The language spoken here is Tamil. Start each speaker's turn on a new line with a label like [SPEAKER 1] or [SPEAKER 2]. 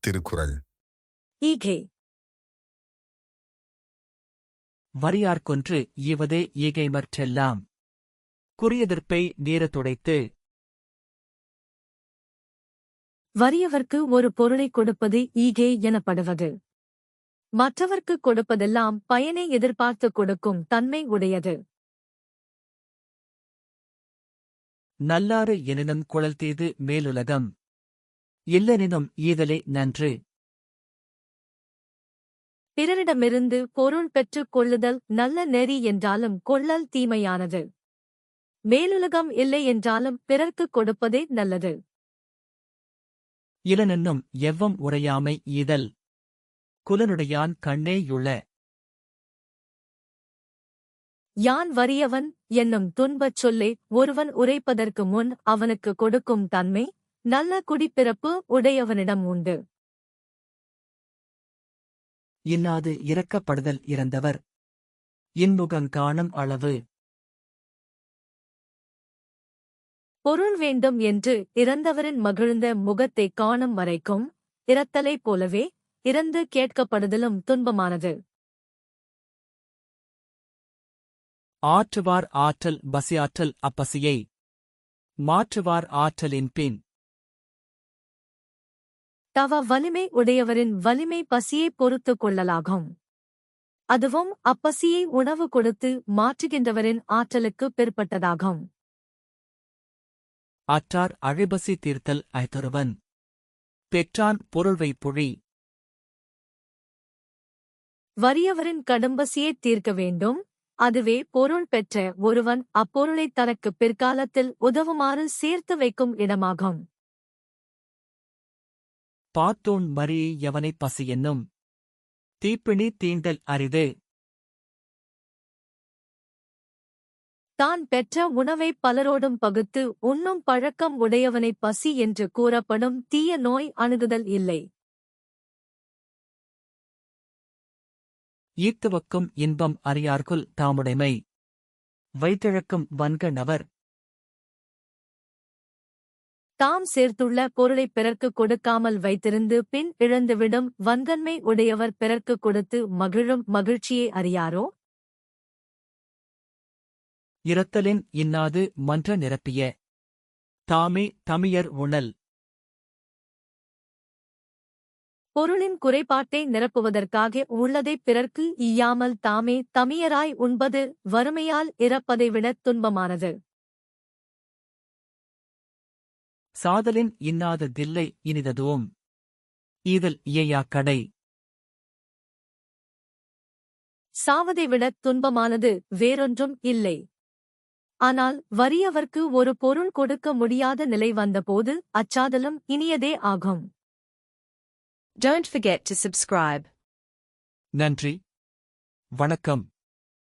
[SPEAKER 1] திருக்குறள்.
[SPEAKER 2] ஈகை.
[SPEAKER 3] வரியார்க்கொன்று ஈவதே ஈகைமற்றெல்லாம். குறியெதிர்ப்பை நீரத்துடைத்து.
[SPEAKER 2] வறியவர்க்கு ஒரு பொருளைக் கொடுப்பது ஈகை எனப்படுவது. மற்றவர்க்குக் கொடுப்பதெல்லாம் பயனை எதிர்பார்த்துக் கொடுக்கும் தன்மை உடையது.
[SPEAKER 3] நல்லாறு எனினும் குழல் தீது மேலுலகம். இல்லெனினும் ஈதலே நன்று.
[SPEAKER 2] பிறரிடமிருந்து பொருள் பெற்றுக் கொள்ளுதல் நல்ல நெறி என்றாலும் கொள்ளல் தீமையானது. மேலுலகம் இல்லை என்றாலும் பிறர்க்குக் கொடுப்பதே நல்லது.
[SPEAKER 3] இலனென்னும் எவ்வம் உரையாமை ஈதல். குலனுடையான் கண்ணேயுள.
[SPEAKER 2] யான் வறியவன் என்னும் துன்பச் சொல்லை ஒருவன் உரைப்பதற்கு முன் அவனுக்கு கொடுக்கும் தன்மை நல்ல குடிப்பிறப்பு உடையவனிடம் உண்டு.
[SPEAKER 3] இன்னாது இரக்கப்படுதல் இறந்தவர் இன்முகங்காணும் அளவு.
[SPEAKER 2] பொருள் வேண்டும் என்று இறந்தவரின் மகிழ்ந்த முகத்தைக் காணும் வரைக்கும் இரத்தலைப் போலவே இறந்து கேட்கப்படுதலும் துன்பமானது.
[SPEAKER 3] ஆற்றுவார் ஆற்றல் பசியாற்றல் அப்பசியை. மாற்றுவார் ஆற்றலின் பின்.
[SPEAKER 2] தவ வலிமை உடையவரின் வலிமை பசியைப் பொறுத்துக் கொள்ளலாகும். அதுவும் அப்பசியை உணவு கொடுத்து மாற்றுகின்றவரின் ஆற்றலுக்குப் பிற்பட்டதாகும்.
[SPEAKER 3] அற்றார் அழைபசி தீர்த்தல் ஐதொருவன். பெற்றான் பொருள்வை புழி.
[SPEAKER 2] வறியவரின் கடும்பசியைத் தீர்க்க வேண்டும். அதுவே பொருள் பெற்ற ஒருவன் அப்பொருளைத் தனக்குப் பிற்காலத்தில் உதவுமாறு சேர்த்து வைக்கும் இடமாகும்.
[SPEAKER 3] பாத்தோன் மறி எவனைப் பசி என்னும். தீப்பிணி தீண்டல் அரிது.
[SPEAKER 2] தான் பெற்ற உணவைப் பலரோடும் பகுத்து உண்ணும் பழக்கம் உடையவனைப் பசி என்று கூறப்படும் தீய நோய் அணுகுதல் இல்லை.
[SPEAKER 3] ஈர்த்துவக்கும் இன்பம் அறியார்க்குல் தாமுடைமை. வைத்திழக்கும் வன்க நவர்.
[SPEAKER 2] தாம் சேர்த்துள்ள பொருளைப் பிறர்க்குக் கொடுக்காமல் வைத்திருந்து பின் இழந்துவிடும் வன்கன்மை உடையவர் பிறர்க்குக் கொடுத்து மகிழும் மகிழ்ச்சியை அறியாரோ?
[SPEAKER 3] இரத்தலின் இன்னாது மன்ற நிரப்பிய. தாமே தமியர் உணல்.
[SPEAKER 2] பொருளின் குறைபாட்டை நிரப்புவதற்காக உள்ளதைப் பிறர்க்கு ஈயாமல் தாமே தமியராய் உண்பது வறுமையால் இறப்பதை விடத் துன்பமானது.
[SPEAKER 3] சாதலின் இன்னாத தில்லை இனிததுவும். ஈதல் இயையா கடை.
[SPEAKER 2] சாவதை விடத் துன்பமானது வேறொன்றும் இல்லை. ஆனால் வறியவர்க்கு ஒரு பொருள் கொடுக்க முடியாத நிலை வந்தபோது அச்சாதலும் இனியதே ஆகும்.
[SPEAKER 4] Don't forget to subscribe.
[SPEAKER 3] நன்றி. வணக்கம்.